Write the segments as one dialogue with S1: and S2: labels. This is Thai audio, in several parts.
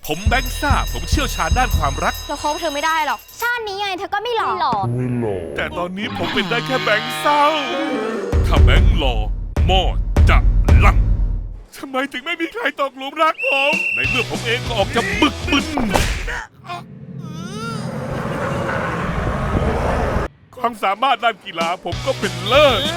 S1: ผมแบงค์ซ่าผมเชี่ยวชาญด้านความรัก
S2: เราคบเธอไม่ได้หรอกชาตินี้ยังไงเธอก็ไม่หล่อ
S1: แต่ตอนนี้ผมเป็นได้แค่แบงค์เศร้าถ้าแบงค์หล่อหม้อจะลั่นทำไมถึงไม่มีใครตกหลุมรักผมในเมื่อผมเองก็ออกจะบึกบึนความสามารถด้านกีฬาผมก็เป็นเลิศ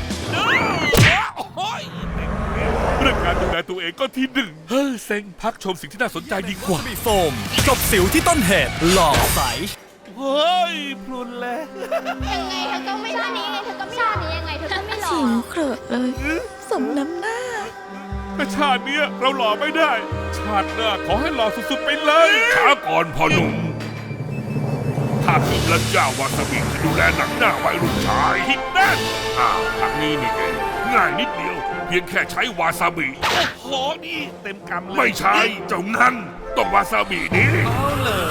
S1: เรื่องการดูแลตัวเองก็ที่หนึ่งเฮ้ยเซ็งพักชมสิ่งที่น่าสนใจดีกว่า
S3: มีโฟมจบสิวที่ต้นเหตุหล่อใส
S1: เฮ้ยพลุนแล้ว
S2: ยังไงเธอก็ไม่ชาตินี้ยังไงเธอก็ไม่ชาตินี้ยังไงเธอก็ไม่หล่อ
S4: เสียงเครอะเลยสมน้ำหน้า
S1: แต่ชาติเนี้ยเราหล่อไม่ได้ ชาติหน้าขอให้หล่อสุดๆไปเลยช้าก่อนพ่อหนุ่มถ้าคิดแล้วเจ้าวาซาบิจะดูแลหนังหน้าไว้รุ่นชายคิดแน่ทางนี้นี่เองง่ายนิดเดียว เพียงแค่ใช้วาซาบิโอ้โหนี่เต็มกำเลยไม่ใช่เจ้านั่นต้องวาซาบินี้เอาเหร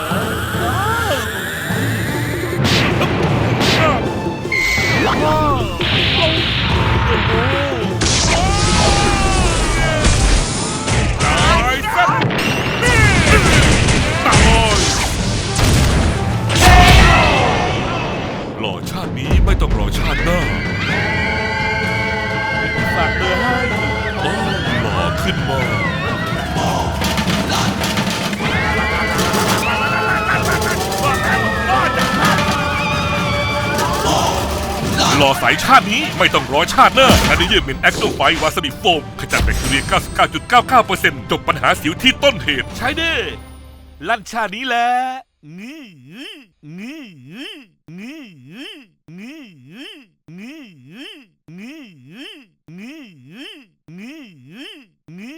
S1: ตายซะตายหล่อชาตินี้ไม่ต้องรอชาติหน้าฝากเบอร์ให้โอ้หล่อขึ้นมาหล่อใสชาตินี้ไม่ต้องรอชาติหน้าอันนี้ยืมเป็นแอคโนไฟวาซาบิโฟมขจัดแบคทีเรีย 99.99% จบปัญหาสิวที่ต้นเหตุใช้ได้ลั่นชาตินี้แหละงี้งี้งี้งี้งี้งี้งี้งี้งี้